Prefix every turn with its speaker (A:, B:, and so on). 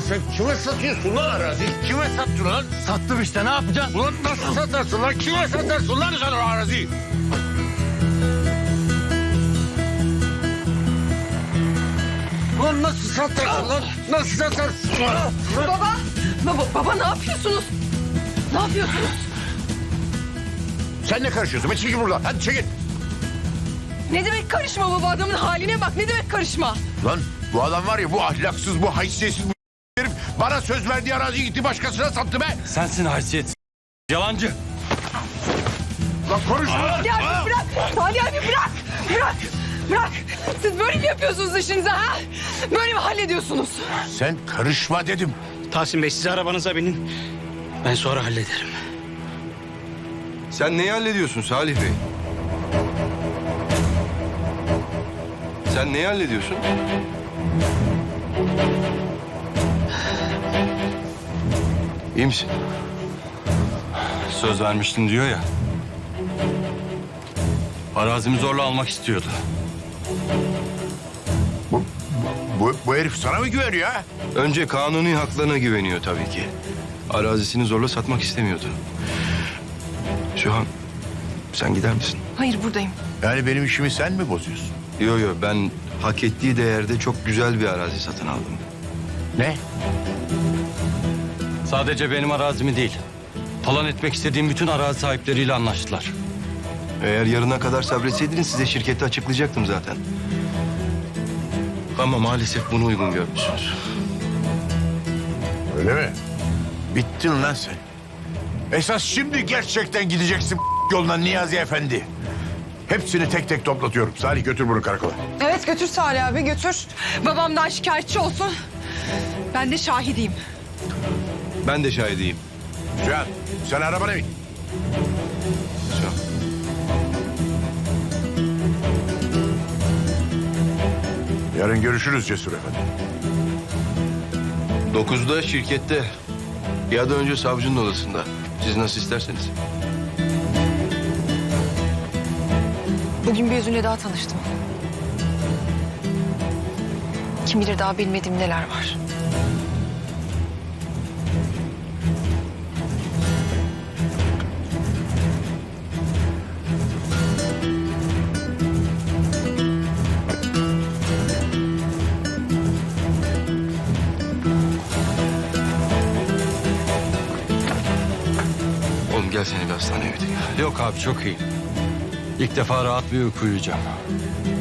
A: sen kime satıyorsun lan arazi? Kime sattın lan?
B: Sattım işte, ne yapacaksın?
A: Ulan nasıl satarsın lan? Kime satarsın lan sen o araziyi? Ulan nasıl satarsın lan? Nasıl satarsın?
C: Baba ne yapıyorsunuz? Ne yapıyorsunuz?
A: Sen ne karışıyorsun? Çekil buradan. Hadi çekil.
C: Ne demek karışma baba? Adamın haline bak. Ne demek karışma?
A: Lan bu adam var ya, bu ahlaksız, bu haysiyetsiz bu herif bana söz verdiği araziyi gitti başkasına sattı be.
B: Sensin haysiyetsiz. Yalancı.
A: Lan konuşma.
C: Salih abi bırak. Salih abi bırak. Bırak. Bırak. Siz böyle mi yapıyorsunuz işinizi ha? Böyle mi hallediyorsunuz?
A: Sen karışma dedim.
D: Tahsin Bey siz arabanıza binin. Ben sonra hallederim.
E: Sen neyi hallediyorsun Salih Bey? Sen neyi hallediyorsun? İyi misin?
B: Söz vermiştin diyor ya. Arazimi zorla almak istiyordu.
A: Bu herif sana mı güveniyor ha?
E: Önce kanuni haklarına güveniyor tabii ki. Arazisini zorla satmak istemiyordu. Sühan, sen gider misin?
C: Hayır buradayım.
A: Yani benim işimi sen mi bozuyorsun?
E: Yo, ben hak ettiği değerde çok güzel bir arazi satın aldım.
A: Ne?
B: Sadece benim arazimi değil. Talan etmek istediğim bütün arazi sahipleriyle anlaştılar.
E: Eğer yarına kadar sabretseydiniz size şirketi açıklayacaktım zaten. Ama maalesef bunu uygun görmüşsünüz.
A: Öyle mi? Bittin lan sen. Esas şimdi gerçekten gideceksin yoluna Niyazi Efendi. Hepsini tek tek toplatıyorum. Salih götür bunu karakola.
C: Evet götür Salih abi götür. Babamdan şikayetçi olsun. Ben de şahidiyim.
E: Ben de şahidiyim.
A: Cihan sen arabana bin.
E: Sühan.
A: Yarın görüşürüz Cesur Efendi.
E: 9'da şirkette ya da önce savcının odasında. Siz nasıl isterseniz.
F: Bugün bir yüzüyle daha tanıştım. Kim bilir daha bilmediğim neler var.
E: Oğlum gel seni bir hastaneye götüreyim.
B: Yok abi, çok iyi. İlk defa rahat bir uyku uyuyacağım.